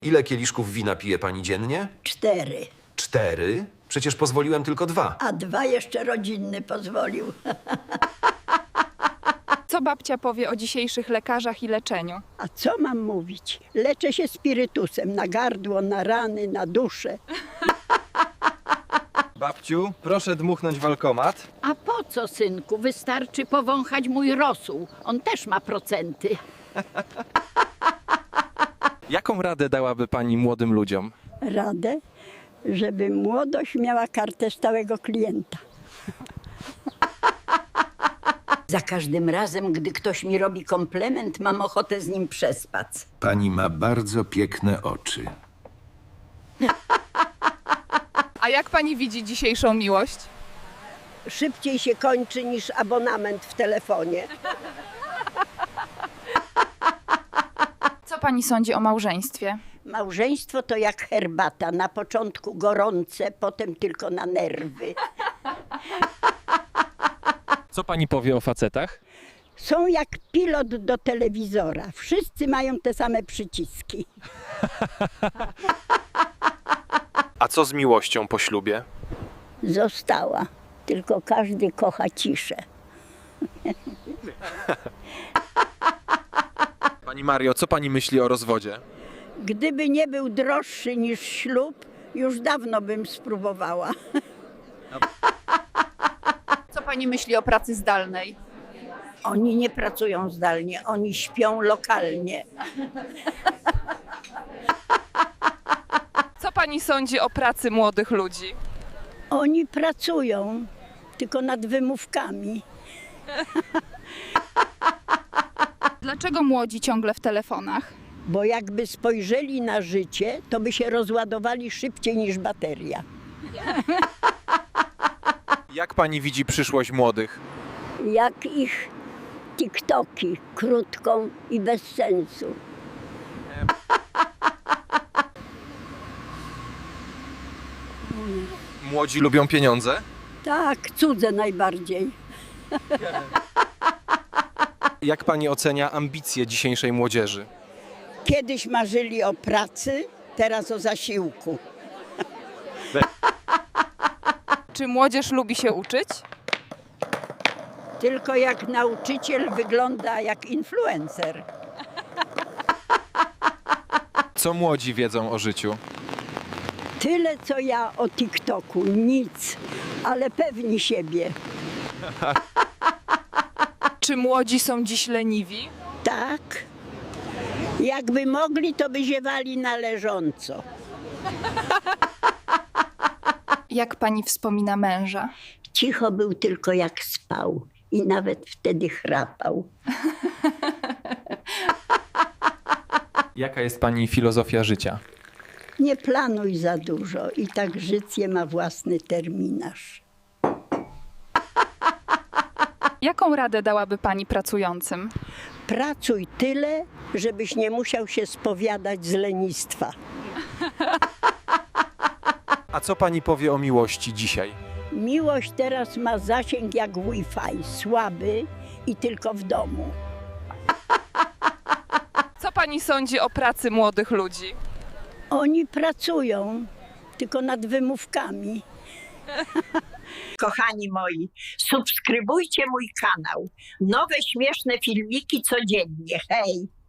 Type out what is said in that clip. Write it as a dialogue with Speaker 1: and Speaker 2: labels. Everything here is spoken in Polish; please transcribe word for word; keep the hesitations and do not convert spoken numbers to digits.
Speaker 1: Ile kieliszków wina pije pani dziennie?
Speaker 2: Cztery.
Speaker 1: Cztery? Przecież pozwoliłem tylko dwa.
Speaker 2: A dwa jeszcze rodzinny pozwolił.
Speaker 3: Co babcia powie o dzisiejszych lekarzach i leczeniu?
Speaker 2: A co mam mówić? Leczę się spirytusem na gardło, na rany, na duszę.
Speaker 4: Babciu, proszę dmuchnąć walkomat.
Speaker 5: A po co, synku? Wystarczy powąchać mój rosół. On też ma procenty.
Speaker 4: Jaką radę dałaby pani młodym ludziom?
Speaker 2: Radę, żeby młodość miała kartę stałego klienta. Za każdym razem, gdy ktoś mi robi komplement, mam ochotę z nim przespać.
Speaker 1: Pani ma bardzo piękne oczy.
Speaker 3: A jak pani widzi dzisiejszą miłość?
Speaker 2: Szybciej się kończy niż abonament w telefonie.
Speaker 3: Co pani sądzi o małżeństwie?
Speaker 2: Małżeństwo to jak herbata. Na początku gorące, potem tylko na nerwy.
Speaker 4: Co pani powie o facetach?
Speaker 2: Są jak pilot do telewizora. Wszyscy mają te same przyciski.
Speaker 4: A co z miłością po ślubie?
Speaker 2: Została. Tylko każdy kocha ciszę.
Speaker 4: Pani Mario, co pani myśli o rozwodzie?
Speaker 2: Gdyby nie był droższy niż ślub, już dawno bym spróbowała.
Speaker 3: Co pani myśli o pracy zdalnej?
Speaker 2: Oni nie pracują zdalnie, oni śpią lokalnie.
Speaker 3: Co pani sądzi o pracy młodych ludzi?
Speaker 2: Oni pracują, tylko nad wymówkami.
Speaker 3: Dlaczego młodzi ciągle w telefonach?
Speaker 2: Bo jakby spojrzeli na życie, to by się rozładowali szybciej niż bateria.
Speaker 4: Jak pani widzi przyszłość młodych?
Speaker 2: Jak ich TikToki, krótką i bez sensu.
Speaker 4: Młodzi lubią pieniądze?
Speaker 2: Tak, cudze najbardziej.
Speaker 4: Jak pani ocenia ambicje dzisiejszej młodzieży?
Speaker 2: Kiedyś marzyli o pracy, teraz o zasiłku.
Speaker 3: Czy młodzież lubi się uczyć?
Speaker 2: Tylko jak nauczyciel wygląda jak influencer.
Speaker 4: Co młodzi wiedzą o życiu?
Speaker 2: Tyle co ja o TikToku, nic, ale pewni siebie.
Speaker 3: Czy młodzi są dziś leniwi?
Speaker 2: Tak. Jakby mogli, to by ziewali na leżąco.
Speaker 3: Jak pani wspomina męża?
Speaker 2: Cicho był tylko jak spał i nawet wtedy chrapał.
Speaker 4: Jaka jest pani filozofia życia?
Speaker 2: Nie planuj za dużo i tak życie ma własny terminarz.
Speaker 3: Jaką radę dałaby pani pracującym?
Speaker 2: Pracuj tyle, żebyś nie musiał się spowiadać z lenistwa.
Speaker 4: A co pani powie o miłości dzisiaj?
Speaker 2: Miłość teraz ma zasięg jak Wi-Fi, słaby i tylko w domu.
Speaker 3: Co pani sądzi o pracy młodych ludzi?
Speaker 2: Oni pracują, tylko nad wymówkami. Kochani moi, subskrybujcie mój kanał. Nowe śmieszne filmiki codziennie. Hej!